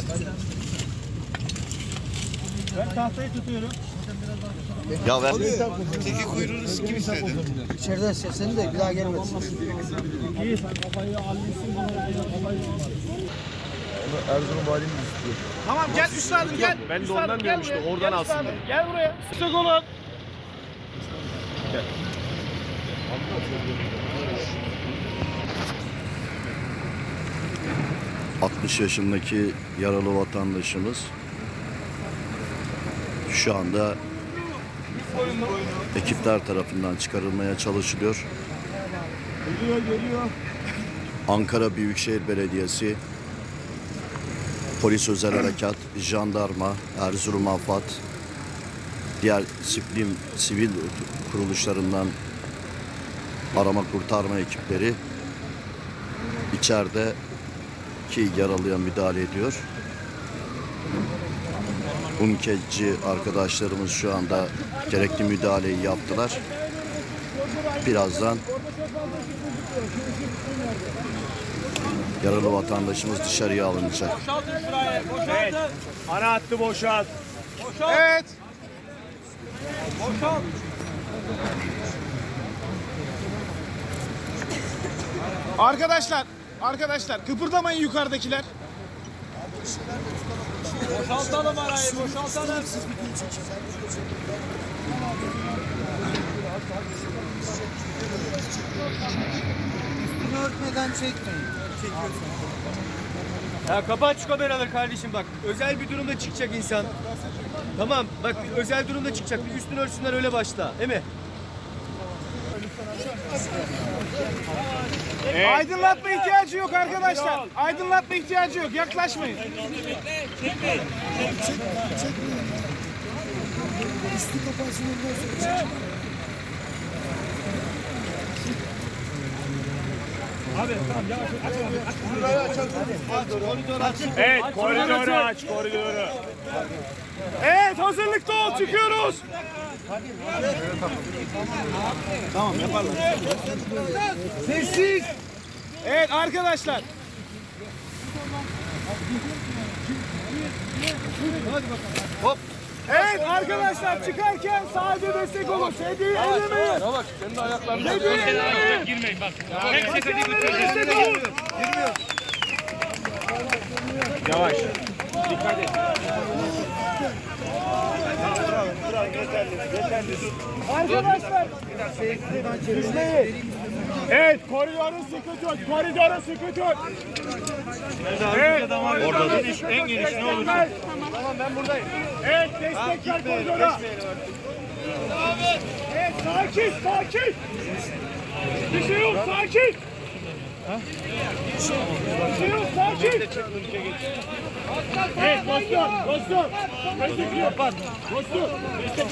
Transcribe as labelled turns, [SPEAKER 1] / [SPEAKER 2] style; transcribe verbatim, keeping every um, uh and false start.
[SPEAKER 1] Ben tahtayı tutuyorum.
[SPEAKER 2] Ya ver. Teki kuyruğunu sikim istedi.
[SPEAKER 3] İçeriden sesini de bir daha gelmesin.
[SPEAKER 1] İyi sen kafayı almışsın.
[SPEAKER 2] Erzurum valimiz istiyor.
[SPEAKER 1] Tamam gel üstadım gel.
[SPEAKER 4] Ben de ondan diyorum işte, oradan alsın diye.
[SPEAKER 1] Gel buraya. Sık olun.
[SPEAKER 4] Gel.
[SPEAKER 2] altmış yaşındaki yaralı vatandaşımız şu anda ekipler tarafından çıkarılmaya çalışılıyor.
[SPEAKER 1] Geliyor geliyor.
[SPEAKER 2] Ankara Büyükşehir Belediyesi, Polis Özel Harekat, Jandarma, Erzurum AFAD, diğer sivil, sivil kuruluşlarından arama kurtarma ekipleri içeride ki yaralıya müdahale ediyor. Bunkeci arkadaşlarımız şu anda gerekli müdahaleyi yaptılar. Birazdan yaralı vatandaşımız dışarıya alınacak.
[SPEAKER 4] Evet. Ana hattı boşalt.
[SPEAKER 1] Evet.
[SPEAKER 4] Boşalt.
[SPEAKER 1] Arkadaşlar, arkadaşlar kıpırdamayın yukarıdakiler.
[SPEAKER 4] Boşaltalım arayı, boşaltalım.
[SPEAKER 3] Üstünü örtmeden çekmeyin. Çekiyorsun.
[SPEAKER 4] Ya kapat şu kameraları kardeşim bak. Özel bir durumda çıkacak insan. Tamam bak özel durumda çıkacak. Bir üstünü örtsünler öyle başla. Değil mi?
[SPEAKER 1] Evet. Aydınlatma ihtiyacı yok arkadaşlar. Aydınlatma ihtiyacı yok. Yaklaşmayın.
[SPEAKER 5] Çekmeyin. Çekmeyin. Üstü kapansın ondan sonra.
[SPEAKER 1] Abi tamam yavaş aç abi. Aç. Burayı açalım. Koridoru aç.
[SPEAKER 4] Evet koridoru aç koridoru.
[SPEAKER 1] Evet hazırlıkta ol çıkıyoruz. Tamam yapalım. Sessiz. Evet arkadaşlar. Hop. Evet arkadaşlar çıkarken sadece destek olun. Sedyeyi ellemeyin.
[SPEAKER 4] Bak kendi ayaklarını.
[SPEAKER 1] Sedyeyi ellemeyin.
[SPEAKER 4] Girmeyin bak.
[SPEAKER 1] Destek olun.
[SPEAKER 4] Yavaş. Dikkat et.
[SPEAKER 1] Arkadaşlar. Düzleyin. Evet koridoru sıkı tut. Koridoru sıkı tut. Evet.
[SPEAKER 4] Orada geniş, en geniş ne olur?
[SPEAKER 1] Tamam ben buradayım. Evet destekler koridora. Evet sakin sakin. Bir şey yok sakin. Bir şey yok sakin. Evet dostum dostum. Kapat. Dostum.